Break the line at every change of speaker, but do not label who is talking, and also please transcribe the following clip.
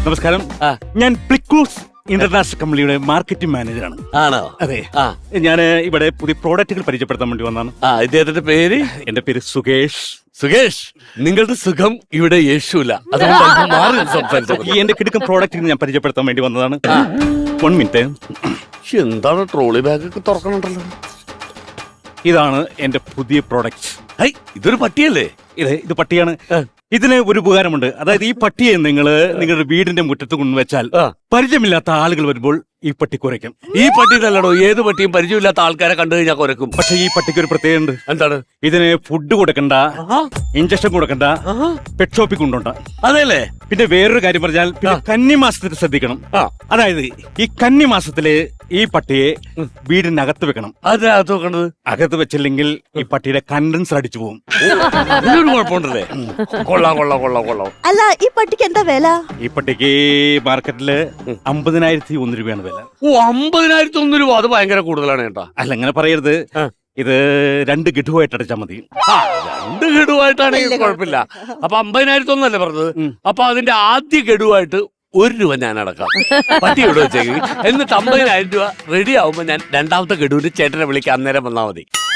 നമസ്കാരം. ഞാൻ പ്ലിക്കൂസ് ഇന്റർനാഷണൽ കമ്പനിയുടെ മാർക്കറ്റിംഗ് മാനേജറാണ്.
ആണോ?
അതെ. ഞാൻ ഇവിടെ പുതിയ പ്രോഡക്റ്റുകൾ പരിചയപ്പെടുത്താൻ വേണ്ടി വന്നാണ്.
ഇദ്ദേഹത്തിന്റെ പേര്?
എന്റെ പേര് സുകേഷ്.
സുകേഷ്, നിങ്ങളുടെ സുഖം ഇവിടെ യേശുല. അതുകൊണ്ട് മാറി സംസാരിച്ചു.
ഈ എന്റെ കിടക്കും പ്രോഡക്റ്റുകൾ ഞാൻ പരിചയപ്പെടുത്താൻ വേണ്ടി വന്നതാണ്. 1 മിനിറ്റ്.
എന്താണ് ട്രോളി ബാഗ് ഒക്കെ തുറക്കണുണ്ടല്ലോ?
ഇതാണ് എന്റെ പുതിയ പ്രോഡക്റ്റ്.
ഇതൊരു പട്ടിയല്ലേ?
ഇത് പട്ടിയാണ്. ഇതിന് ഒരു ഉപകാരമുണ്ട്. അതായത് ഈ പട്ടിയെ നിങ്ങളുടെ വീടിന്റെ മുറ്റത്ത് കൊണ്ടുവച്ചാൽ പരിചയമില്ലാത്ത ആളുകൾ വരുമ്പോൾ ഈ പട്ടി കുരയ്ക്കും.
ഈ പട്ടി നല്ലടോ, ഏത് പട്ടിയും പരിചയമില്ലാത്ത ആൾക്കാരെ കണ്ടു കഴിഞ്ഞാൽ കുരക്കും.
പക്ഷെ ഈ പട്ടിക്ക് ഒരു പ്രത്യേകത ഉണ്ട്.
എന്താണ്?
ഇതിന് ഫുഡ് കൊടുക്കണ്ട, ഇഞ്ചക്ഷൻ കൊടുക്കണ്ട, പെറ്റ് ഷോപ്പിൽ കൊണ്ടുണ്ട.
അതെല്ലേ?
പിന്നെ വേറൊരു കാര്യം പറഞ്ഞാൽ കന്നിമാസത്തിൽ ശ്രദ്ധിക്കണം. അതായത് ഈ കന്നിമാസത്തില് ഈ പട്ടിയെ വീടിനകത്ത് വെക്കണം.
അതിനകത്ത് വെക്കണത്?
അകത്ത് വെച്ചില്ലെങ്കിൽ ഈ പട്ടിയുടെ കണ്ടൻസർ അടിച്ചു പോകും.
ഇതിനൊരു കുഴപ്പമുണ്ടല്ലേ? കൊള്ളാം കൊള്ളാം കൊള്ളാം കൊള്ളാം.
അല്ല, ഈ പട്ടിക്ക് എന്താ വില?
ഈ പട്ടിക്ക് മാർക്കറ്റില് 50,001 രൂപയാണ് വില.
50,001 രൂപ? അത് ഭയങ്കര കൂടുതലാണ് കേട്ടാ.
അല്ല, അങ്ങനെ പറയരുത്. ഇത് 2 ഗഡുവായിട്ട് അടച്ചാൽ മതി.
2 ഗഡുവായിട്ടാണെങ്കിൽ കുഴപ്പമില്ല. അപ്പൊ 50,001 പറഞ്ഞത്. അപ്പൊ അതിന്റെ ആദ്യ ഗഡുവായിട്ട് 1 രൂപ ഞാൻ അടക്കാം. പട്ടി ഇവിടെ വെച്ചേക്ക്. എന്നിട്ട് 50,000 രൂപ റെഡി ആവുമ്പോ ഞാൻ രണ്ടാമത്തെ ഗഡുവിന് ചേട്ടനെ വിളിക്കാൻ അന്നേരം വന്നാൽ മതി.